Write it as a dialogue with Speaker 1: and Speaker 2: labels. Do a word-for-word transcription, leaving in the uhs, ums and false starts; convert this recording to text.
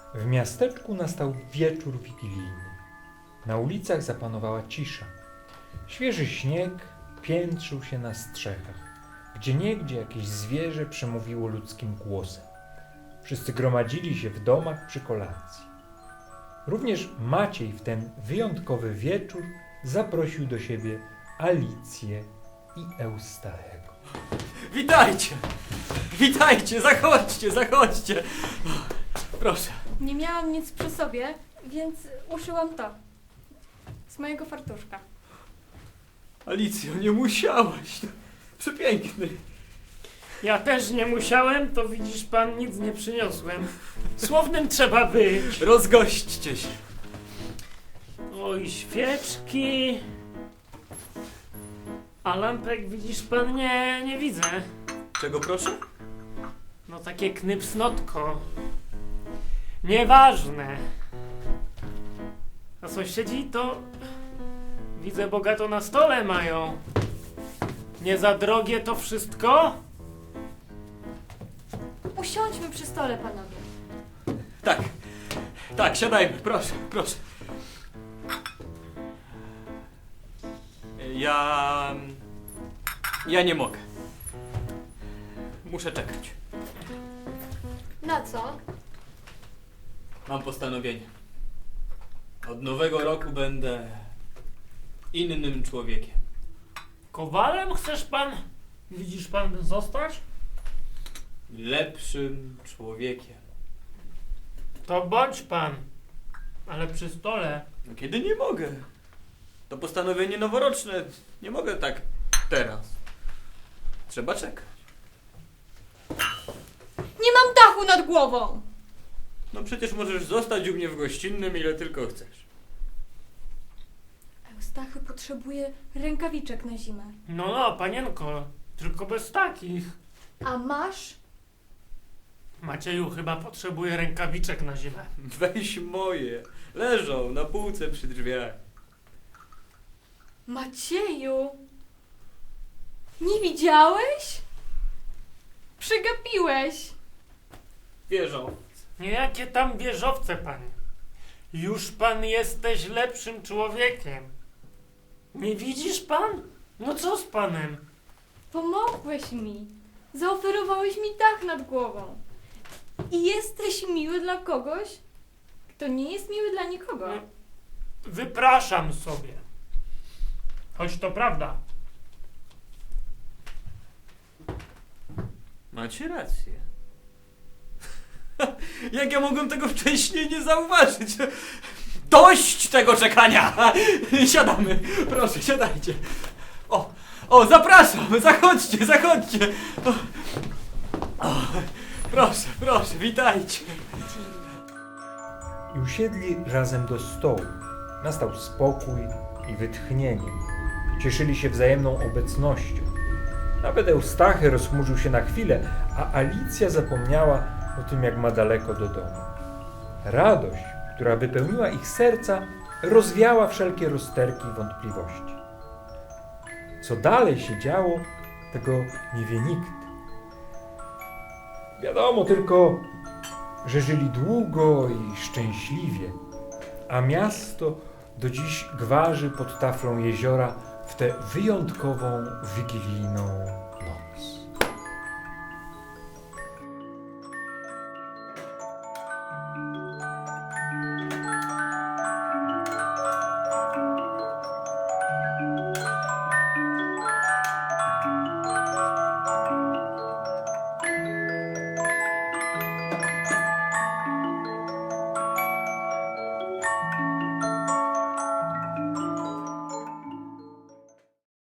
Speaker 1: W miasteczku nastał wieczór wigilijny. Na ulicach zapanowała cisza. Świeży śnieg piętrzył się na strzechach. Gdzieniegdzie jakieś zwierzę przemówiło ludzkim głosem. Wszyscy gromadzili się w domach przy kolacji. Również Maciej w ten wyjątkowy wieczór zaprosił do siebie Alicję i Eustachego.
Speaker 2: Witajcie! Witajcie! Zachodźcie, zachodźcie! Proszę.
Speaker 3: Nie miałam nic przy sobie, więc uszyłam to. Z mojego fartuszka.
Speaker 2: Alicjo, nie musiałaś. Przepiękny.
Speaker 4: Ja też nie musiałem, to widzisz pan, nic nie przyniosłem. Słownym trzeba być.
Speaker 2: Rozgośćcie się.
Speaker 4: Oj, świeczki. A lampek widzisz pan, nie, nie widzę.
Speaker 2: Czego proszę?
Speaker 4: No takie knypsnotko. Nieważne. A sąsiedzi to widzę bogato na stole mają. Nie za drogie to wszystko?
Speaker 3: Usiądźmy przy stole, panowie.
Speaker 2: Tak. Tak, siadajmy. Proszę, proszę. Ja... Ja nie mogę. Muszę czekać.
Speaker 3: Na co?
Speaker 2: Mam postanowienie. Od nowego roku będę innym człowiekiem.
Speaker 4: Kowalem chcesz pan, widzisz pan, zostać?
Speaker 2: Lepszym człowiekiem.
Speaker 4: To bądź pan, ale przy stole.
Speaker 2: No kiedy nie mogę? To postanowienie noworoczne. Nie mogę tak teraz. Trzeba czekać.
Speaker 3: Nie mam dachu nad głową!
Speaker 2: No przecież możesz zostać u mnie w gościnnym ile tylko chcesz.
Speaker 3: Eustachy potrzebuje rękawiczek na zimę.
Speaker 4: No, no, panienko, tylko bez takich.
Speaker 3: A masz?
Speaker 4: Macieju chyba potrzebuje rękawiczek na zimę.
Speaker 2: Weź moje. Leżą na półce przy drzwiach.
Speaker 3: Macieju! Nie widziałeś? Przegapiłeś!
Speaker 2: Wierzą.
Speaker 4: Niejakie tam wieżowce, panie. Już pan jesteś lepszym człowiekiem. Nie widzisz pan? No co z panem?
Speaker 3: Pomogłeś mi. Zaoferowałeś mi dach nad głową. I jesteś miły dla kogoś, kto nie jest miły dla nikogo.
Speaker 4: Wypraszam sobie. Choć to prawda.
Speaker 2: Macie rację. Jak ja mogłem tego wcześniej nie zauważyć? Dość tego czekania! Siadamy, proszę, siadajcie. O, o, zapraszam, zachodźcie, zachodźcie. O, o, proszę, proszę, witajcie.
Speaker 1: I usiedli razem do stołu. Nastał spokój i wytchnienie. Cieszyli się wzajemną obecnością. Nawet Eustachy rozchmurzył się na chwilę, a Alicja zapomniała o tym, jak ma daleko do domu. Radość, która wypełniła ich serca, rozwiała wszelkie rozterki i wątpliwości. Co dalej się działo, tego nie wie nikt. Wiadomo tylko, że żyli długo i szczęśliwie, a miasto do dziś gwarzy pod taflą jeziora w tę wyjątkową, wigilijną